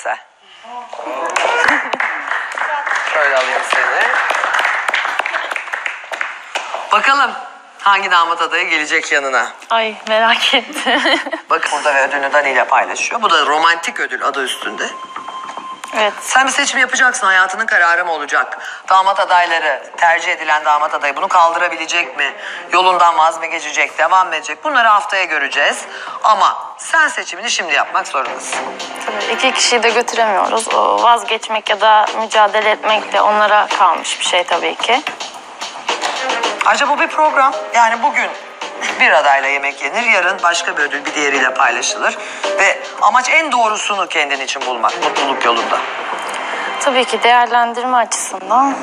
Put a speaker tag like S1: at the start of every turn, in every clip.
S1: Cansel. Şöyle alayım seni. Bakalım hangi damat adayı gelecek yanına.
S2: Ay merak ettim.
S1: Bakın burada ve ödülünü Dani ile paylaşıyor. Bu da romantik ödül adı üstünde.
S2: Evet.
S1: Sen bir seçim yapacaksın. Hayatının kararı mı olacak? Damat adayları, tercih edilen damat adayı bunu kaldırabilecek mi? Yolundan vaz mı geçecek, devam mı edecek? Bunları haftaya göreceğiz. Ama sen seçimini şimdi yapmak zorundasın.
S2: Tabii iki kişiyi de götüremiyoruz. O vazgeçmek ya da mücadele etmek de onlara kalmış bir şey tabii ki.
S1: Ayrıca bu bir program. Yani bugün bir adayla yemek yenir, yarın başka bir ödül bir diğeriyle paylaşılır. Ve amaç en doğrusunu kendin için bulmak, mutluluk yolunda.
S2: Tabii ki değerlendirme açısından.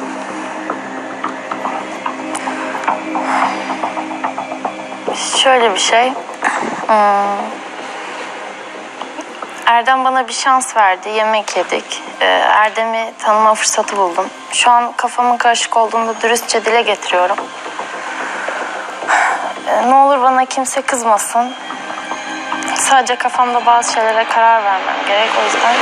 S2: Şöyle bir şey. Erdem bana bir şans verdi. Yemek yedik. Erdem'i tanıma fırsatı buldum. Şu an kafamın karışık olduğunu dürüstçe dile getiriyorum. Ne olur bana kimse kızmasın. Sadece kafamda bazı şeylere karar vermem gerek. O yüzden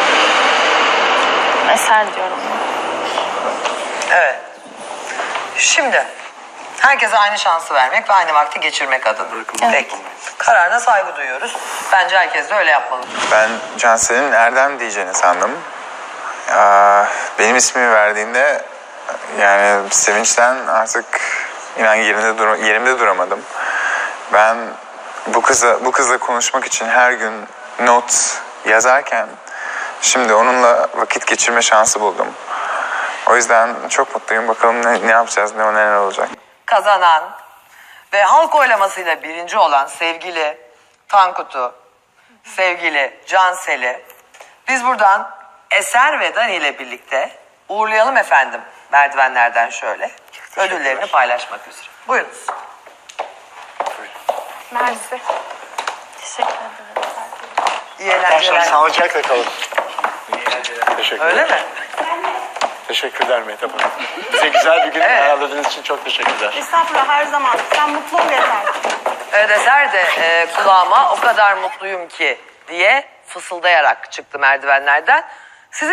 S2: Eser diyorum.
S1: Evet. Şimdi herkese aynı şansı vermek ve aynı vakti geçirmek adına.
S2: Evet.
S1: Peki. Kararına saygı duyuyoruz. Bence herkes de öyle yapmalı.
S3: Ben Cansel'in Erdem diyeceğini sandım. Benim ismimi verdiğinde yani sevinçten artık inan yerimde duramadım. Ben bu kızla konuşmak için her gün not yazarken şimdi onunla vakit geçirme şansı buldum. O yüzden çok mutluyum. Bakalım ne yapacağız, neler olacak.
S1: Kazanan ve halk oylamasıyla birinci olan sevgili Tankut'u, sevgili Cansel'i biz buradan Eser ve Dani ile birlikte uğurlayalım efendim. Merdivenlerden şöyle. Ödüllerini paylaşmak üzere. Buyurunuz.
S2: Mersi. Teşekkür ederim.
S1: İyi eğlenceler.
S4: Sağlıcakla kalın. Teşekkürler.
S1: Öyle mi?
S4: Teşekkürler Mehtap Hanım. Bize güzel bir gün
S1: Evet.
S4: ayarladığınız için çok teşekkürler.
S5: Estağfurullah, her zaman. Sen mutlu ol yeter.
S1: Evet, Eser de kulağıma o kadar mutluyum ki diye fısıldayarak çıktı merdivenlerden.